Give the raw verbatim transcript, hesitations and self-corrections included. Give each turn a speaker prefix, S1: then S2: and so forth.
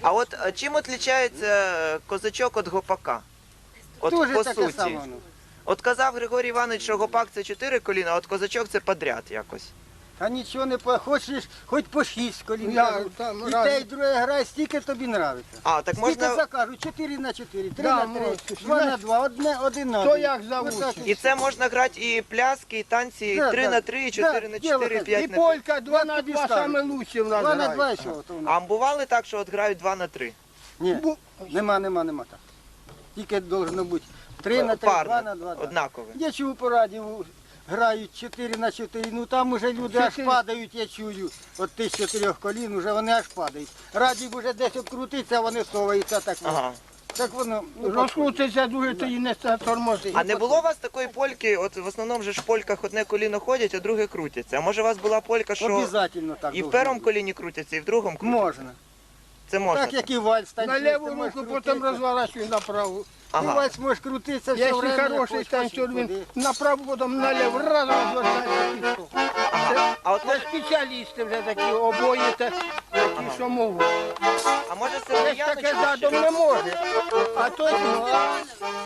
S1: А от е, чим відрізняється козачок від гопака? От
S2: Дуже
S1: по
S2: таке
S1: суті.
S2: саме воно.
S1: От казав Григорій Іванович, що гопак це чотири коліна, а от козачок це подряд якось.
S2: Та нічого не по... Хочеш, хоч по шість колін.
S3: Я
S2: кажу.
S3: там
S2: І
S3: раз-
S2: те, і друге грає, стільки тобі нравиться.
S1: А, так
S2: Скільки
S1: можна.
S2: закажу? чотири на чотири, три
S3: Да,
S2: на
S3: можна.
S2: три, два на два, одне, один на
S3: То
S2: один.
S3: як завуть.
S2: Отак
S1: І це можна грати і пляски, і танці, і
S2: Да,
S1: три
S2: да.
S1: на три, і чотири
S2: Да,
S1: на
S2: діло
S1: чотири,
S2: так.
S1: п'ять
S3: І
S1: на п'ять.
S3: полька два на
S2: тобі
S3: два
S2: ставлю.
S3: саме лучше в нас
S2: Два на
S3: грає.
S2: два, що то у нас?
S1: А бували так, що от грають два на три?
S2: Ні,
S3: Бу-
S2: нема, нема, нема так. Тільки должно бути три на три,
S1: Парно,
S2: два на два. так.
S1: однакове.
S2: Я чув по радіо, грають чотири на чотири, ну там уже люди аж
S3: Чотири.
S2: падають, я чую. От тих чотирьох колін, уже вони аж падають. Радій вже десь обкрутиться, вони соваються так.
S1: Ага.
S2: Так воно. ну,
S3: Розкрутиться дуже, то і не тормозить.
S1: А не було у вас такої польки, от в основному же ж в польках одне коліно ходять, а друге крутяться. А може у вас була полька, що
S2: Обязательно так.
S1: і в
S2: должно
S1: першому
S2: бути.
S1: коліні крутяться, і в другому крутяться?
S2: Можна.
S1: Це можна.
S2: Так як і вальс
S3: На
S2: танцюєш,
S3: ліву
S2: ти можеш
S3: руку, потім
S2: крутитися.
S3: розворачуєш на праву.
S2: І
S1: Ага.
S2: вальс можеш крутитися все
S3: Якщо
S2: время.
S3: хороший
S2: хоч
S3: танцюр,
S2: хоч
S3: він
S2: куди.
S3: направо, потім наліво, разом розвертається пішов. Це,
S1: А от
S3: це
S1: може,
S3: спеціалісти вже такі, обоє, та- такі, що можуть.
S1: а може
S3: Це ж таке
S1: Сергіяночку ще?
S3: задом не може. А то